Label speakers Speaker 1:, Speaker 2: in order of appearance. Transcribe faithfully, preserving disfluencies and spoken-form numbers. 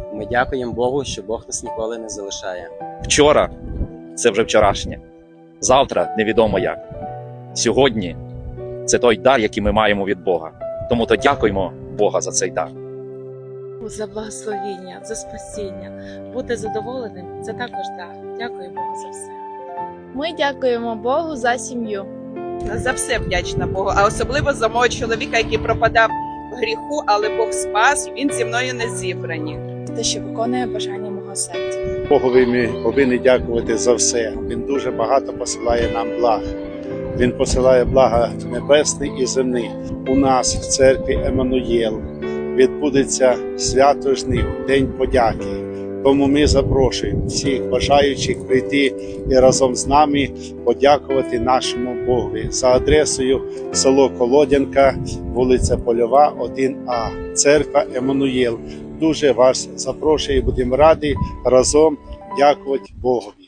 Speaker 1: Ми дякуємо Богу, що Бог нас ніколи не залишає.
Speaker 2: Вчора – це вже вчорашнє. Завтра – невідомо як. Сьогодні – це той дар, який ми маємо від Бога. Тому то дякуємо Бога за цей дар.
Speaker 3: За благословіння, за спасіння. Бути задоволеним – це також дар. Дякую Богу за все.
Speaker 4: Ми дякуємо Богу за сім'ю.
Speaker 5: За все вдячна Богу, а особливо за мого чоловіка, який пропадав в гріху, але Бог спас, і він зі мною не зібрані.
Speaker 4: Те, що виконує бажання мого серця.
Speaker 6: Богові ми повинні дякувати за все. Він дуже багато посилає нам благ. Він посилає блага небесний і земний. У нас в церкві Еммануєл відбудеться святожний День подяки. Тому ми запрошуємо всіх бажаючих прийти і разом з нами подякувати нашому Богові за адресою село Колодянка, вулиця Польова, один А, церква Еммануєл. Дуже вас запрошую і будемо раді разом дякувати Богу.